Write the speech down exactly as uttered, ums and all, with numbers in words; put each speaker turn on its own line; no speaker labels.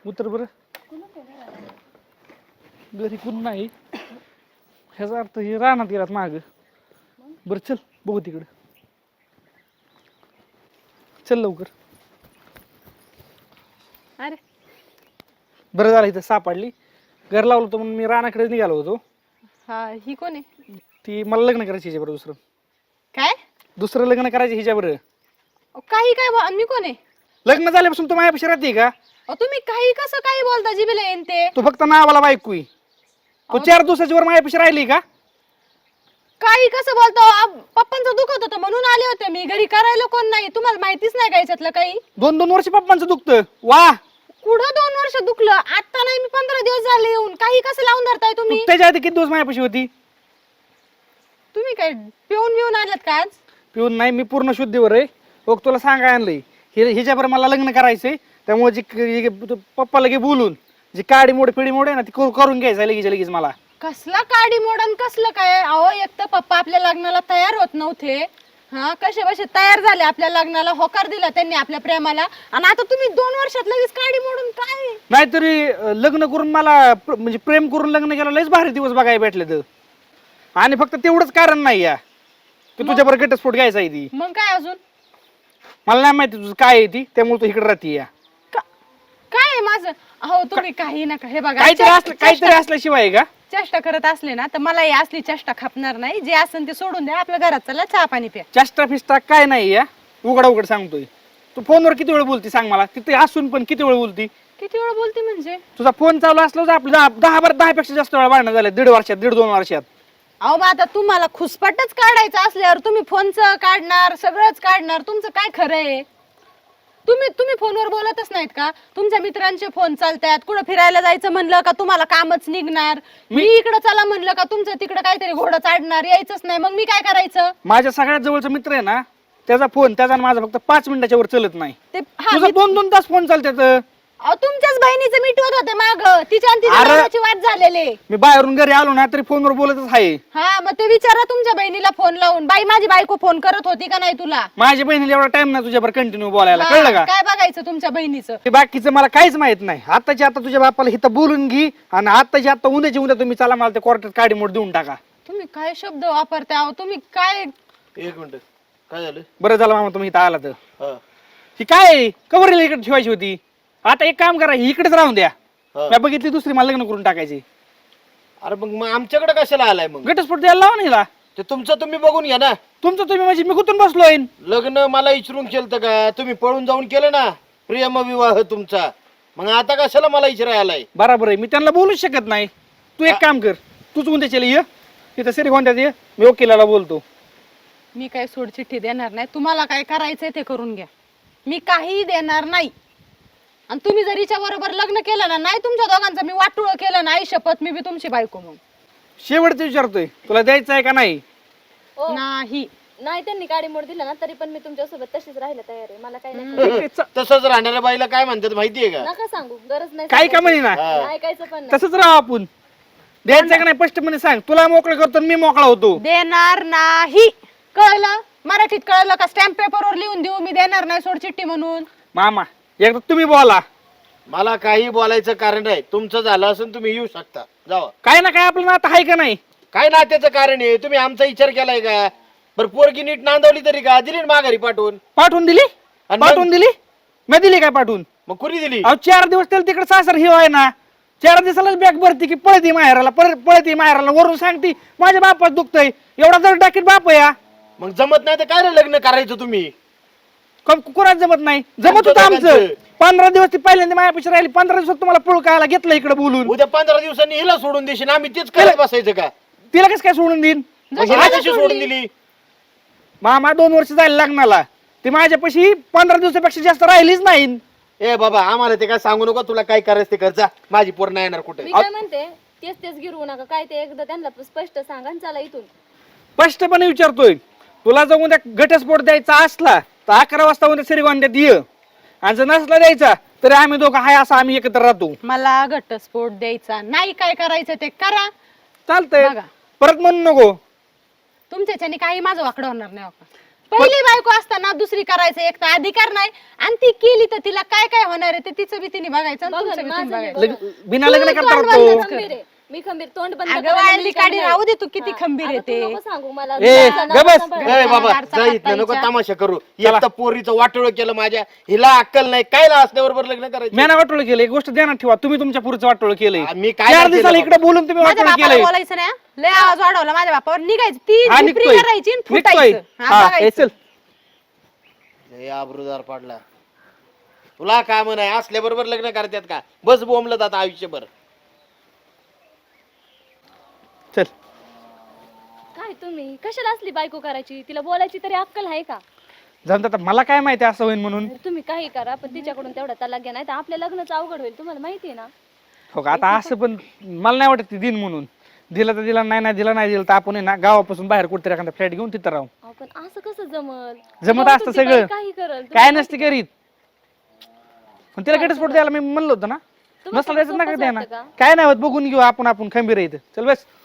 उतर बरं. घरी कोण नाही ह्याचा अर्थ हे रानात गेलात माग. बरं चल बघू तिकडं. चल लवकर.
अरे
बरं झालं इथं सापडली. घर लावलं होतं म्हणून मी रानाकडे निघालो होतो.
हा ही कोण आहे?
ती मला लग्न करायची हिच्याबरोबर. दुसरं
काय
दुसरं लग्न करायचं हिच्याबरोबर.
अहो, काही काय बो- आणि मी कोण आहे?
लग्न झाल्यापासून तू माझ्यापाशी राहते का?
अहो, तुम्ही काही कसं काही बोलता जिबेला येईन ते.
तू फक्त नावाला बायको आहे. तू चार दिवसाची वर माझ्यापाशी राहिली का?
काही कसं बोलतो? आ- पप्पांचं दुखत होतं म्हणून आले होते मी. घरी करायला कोण नाही. तुम्हाला माहितीच नाही का याच्यातलं काही?
दोन दोन वर्ष पप्पांचं दुखतं. वा
कुठं दोन वर्ष दुखलं? आता नाही, मी पंधरा दिवस झाले येऊन. काही कसं लावून धरताय
तू
तुम्ही?
त्याच्या आधी किती दिवस माझ्यापाशी होती?
तुम्ही काय पिऊन पिऊन आलात का आज?
पिऊन नाही, मी पूर्ण शुद्धीवर आहे. बघ तुला सांगाय आणलंय हे हिच्याबरोबर मला लग्न करायचंय. त्यामुळे जी जी- तू पप्पा लगे बोलून जी काडी मोड पिढी मोड आहे ना ती करू- करून घ्यायचं लगेच लगेच मला.
कसला काडी मोडन कसलं काय? अहो एक तर पप्पा आपल्या लग्नाला तयार होत नव्हते. हा कसे बसे तयार झाले आपल्या लग्नाला, होकार दिला त्यांनी आपल्या प्रेमाला, आणि आता तुम्ही दोन वर्षात लगेच काडी मोडून काय?
नाहीतरी अं, लग्न करून मला प्र- म्हणजे प्रेम करून लग्न केलं लयच भारी दिवस बघायला भेटले तर. आणि फक्त तेवढंच कारण नाही या की तुझ्याबरोबर घटस्फोट घ्यायचा आहे ती.
मग काय अजून?
मला नाही माहिती तुझं काय आहे ती, त्यामुळे तू इकडे राहते या.
का- काय आहे माझं? अहो तुम्ही काही नका. हे बघा
काहीतरी
चेष्टा-
असलं काहीतरी असल्याशिवाय आहे का?
चेष्टा करत असले ना तर मला ही असली चेष्टा खपणार नाही. जे असेल ते सोडून द्या. आपल्या घरात चला, चहा पाणी प्या.
चेष्टा फिस्टा काय नाही या. उघडा उघड सांगतोय. तू फोनवर किती वेळ बोलती सांग मला? तिथे असून पण किती वेळ बोलती?
किती वेळ बोलते म्हणजे?
तुझा फोन चालू असला तर आपलं दहा दहा बारा दहा पेक्षा जास्त वेळा भांडणं झालं दीड वर्षात दीड दोन वर्षात.
अहो मग आता तुम्हाला खुसपटच काढायचं असल्यावर तुम्ही फोनचं काढणार, सगळंच काढणार. तुमचं काय खरं आहे? तुम्ही तुम्ही फोनवर बोलतच नाहीत का? तुमच्या मित्रांचे फोन चालतात. कुठं फिरायला जायचं म्हणलं का तुम्हाला कामच निघणार. मी इकडं चला म्हणलं का तुमचं तिकडं काहीतरी घोडं चाडणार, यायचंच नाही. मग मी काय करायचं?
माझ्या सगळ्यात जवळचा मित्र आहे ना, त्याचा फोन त्याचा आणि माझा फक्त पाच मिनिटाच्या वर चलत नाही.
ते हा
तुझा
मी-
दोन दोन तास फोन चालतात.
अहो, तुमच्याच बहिणीचं मिटवत होते माग. तिच्या आणि तिच्या
अरे-
नवऱ्याची वाद झालेले.
मी बाहेरून घरी आलो ना तरी फोनवर बोलतच आहे.
हा मग ते विचारा तुमच्या बहिणीला फोन लावून, बाई माझी बायको फोन करत होती का नाही तुला?
माझ्या बहिणीला एवढा टाइम नाही तुझ्यावर कंटिन्यू बोलायला,
हा,
कळलं का?
काय बघायचं तुमच्या बहिणीचं?
ते बाकीचं मला काहीच माहित नाही. आताच्या आता तुझ्या बापाला इथं बोलून घे आणि आताच्या आता उद्याच्या उद्या तुम्ही चला मला ते कोर्टात काडी मोड देऊन टाका.
तुम्ही काय शब्द वापरता? अहो तुम्ही काय?
एक मिनिट, काय झालं?
बरं झालं मामा तुम्ही इथं आला तर.
हा,
ही काय कवर इकडे ठेवायची होती. आता एक काम करा, ही इकडेच राहून द्या.
हा.
मी बघितली दुसरी मला लग्न करून टाकायची.
अरे मग मग आमच्याकडे कशाला आलाय? मग
घटस्फोट द्यायला लावा ना हिला.
ते तुमचं तुम्ही बघून घ्या ना.
तुमचं तुम्ही म्हणजे मी कुठून बसलोय?
लग्न मला इचरून केलं का? तुम्ही पळून जाऊन केलं ना प्रेम विवाह तुमचा. मग आता कशाला मला इचराय आलाय?
बरोबर आहे, मी त्यांना बोलूच शकत नाही. तू एक काम कर, तूच उद्या चल ये तिथं सरी कोणत्यात ये, मी वकिलाला बोलतो.
मी काय सोड चिठ्ठी देणार नाही. तुम्हाला काय करायचंय ते करून घ्या. मी काही देणार नाही. आणि तुम्ही जर हिच्या बरोबर लग्न केलं ना, नाही तुमच्या दोघांचं मी वाटोळ केलं नाही, शपथ मी बी तुमची बायको. मग
शेवटचं विचारतोय, तुला द्यायचं आहे का नाही?
ओ,
नाही.
नाही त्यांनी गाडी मोड दिला ना तरी पण मी तुमच्यासोबत तशीच राहायला तयार आहे. मला काही नाही
तसंच राहणाऱ्या बाईला काय म्हणतात माहितीये का?
नका सांगू, गरज नाही
काय का म्हणे ना,
हा.
ऐकायचं पण नाही.
तसंच राहू आपण. द्यायचं का नाही स्पष्टपणे सांग. तुला मोकळं करतो आणि मी मोकळा होतो.
देणार नाही, कळलं? मराठीत कळलं का? स्टॅम्प पेपरवर लिहून देऊ मी देणार नाही सोड चिठ्ठी म्हणून.
मामा एकदा तुम्ही बोला.
मला काही बोलायचं कारण नाही. तुमचं झालं असून तुम्ही येऊ शकता, जावा.
काय ना काय आपलं नातं आहे का नाही?
काय नात्याचं कारण आहे? तुम्ही आमचा विचार केलाय का? बरं पोरगी नीट नांदवली तरी का? दिली ना माघारी पाठवून.
पाठवून दिली?
आणि मग?
पाठवून दिली? मी दिली काय पाठवून?
मग कुणी दिली?
अहो चार दिवस त्याला तिकडे सासर हे आहे ना, चार दिवसालाच बॅग भरती की पळती माहेराला, परत पळती माहेराला, वरून सांगती माझ्या बापाच दुखतंय. एवढा जर टाकीत बाप आहे.
मग जमत नाही तर काय रे लग्न करायचं तुम्ही?
कुणाच जमत नाही? जमत
आमचं
होतं आमचं.
दोघांचं.
पंधरा दिवस ती पहिल्यांदा माझ्यापेक्षा राहिली. पंधरा दिवसात तुम्हाला पुळ कायला घेतलं इकडे बोलून.
उद्या पंधरा दिवसांनी हिला सोडून देशील, आम्ही तेच करत बसायचं का?
तिला कसं काय सोडून देईन?
मग हिला कशी सोडून दिली?
मामा दोन वर्ष जायला लग्नाला, ती माझ्यापाशी पंधरा दिवसापेक्षा जास्त राहिलीच नाही.
ए बाबा आम्हाला ते काय सांगू नको. तुला काय करायचं ते कर जा. माझी पोर नाही येणार कुठे.
मी काय म्हणते, तेच तेच गिरवू नका. काय ते एकदा त्यांना स्पष्ट सांगा आणि चला इथून.
स्पष्टपणे विचारतोय, तुला जर उद्या घटस्फोट द्यायचा असला तर अकरा वाजता उद्या श्रीगोंद्यात ये, आणि जर नसला द्यायचा तरी आम्ही दोघं हाय असं आम्ही एकत्र राहतो.
मला घटस्फोट द्यायचा नाही. काय करायचं ते करा.
चालतंय,
बघा.
परत म्हणू नको.
तुमच्याच्याने काही माझं वाकडं होणार नाही. बघा. पहिली बायको असताना दुसरी करायचं एक तर अधिकार नाही आणि ती केली तर तिला काय काय होणार आहे ते तिचं बी तिने बघायचं आणि
बघा
तुमचं बी
ना,
तुम्ही
माझं
बघायचं.
बी
लग- बिना लग्न
तू
करता
तोंड
तो
बंदच
खंबीर आहे मी खंबीर तोंड बंद
अगं
करायला
वाळली
मी
काढी
खंबीर.
राहू दे तू किती
हा,
खंबीर
अगं,
येते
तू नको सांगू मला
ए,
तुझं नाव
गबस.
सांभाळ.
ए बाबा
दारचा
जा इथनं नको
हाताईच्या.
तमाशा करू
चला.
एक तर पोरीचं वाटोळ केलं माझ्या हिला अक्कल नाही काय ना असल्याबरोबर लग्न करायचं
म्याना वाटोळ केलं एक गोष्ट ध्यानात ठेवा तुम्ही तुमच्या पुढचं वाटोळ केलंय
आ, मी काय
चार
नाही केलं
दिवसाला
बाबा.
इकडे बोलून तुम्ही
माझ्या
वाटोळ
बापाला
केलंय
बोलायचं नाही हा? लय आवाज वाढवला माझ्या बापावर निघायचं ती
हा
झिपरी
निघतोय
करायची आणि
निघतोय
फुटायचं हा,
हा
बघायचं.
ए, चल
लय आबरूदार पडला तुला काय म्हणाय असल्याबरोबर लग्न करतात का बस बोंबलत आता आयुष्यभर
चल
काय तुम्ही कशाला असली बायको करायची तिला बोलायची तरी अक्कल आहे का
जाऊन आता मला काय माहिती असं होईल म्हणून
तुम्ही काही करा पण तिच्याकडून तेवढा तलाक घ्या नाही तर आपल्या लग्नच अवघड होईल तुम्हाला माहिती आहे ना
हो का आता असं पण मला नाही वाटत ती दिन म्हणून दिला तर दिला नाही नाही दिला नाही दिला तर आपण आहे ना गावापासून बाहेर कुठेतरी एखादा फ्लॅट घेऊन तिथं राहू
अहो, पण असं कसं जमल
जमत
जाऊ
असतं
तुमची
सगळं.
बाई काही करल
काय नसते करीत पण तिला घटस्फोट द्यायला मी म्हणलं होतं ना
तुम्हाला
नसलं द्यायचं
सोपंच
नका द्या ना
वाटतं का?
काय नाही होत बघून घेऊ आपण आपण खंबीर आहे इथं चल बस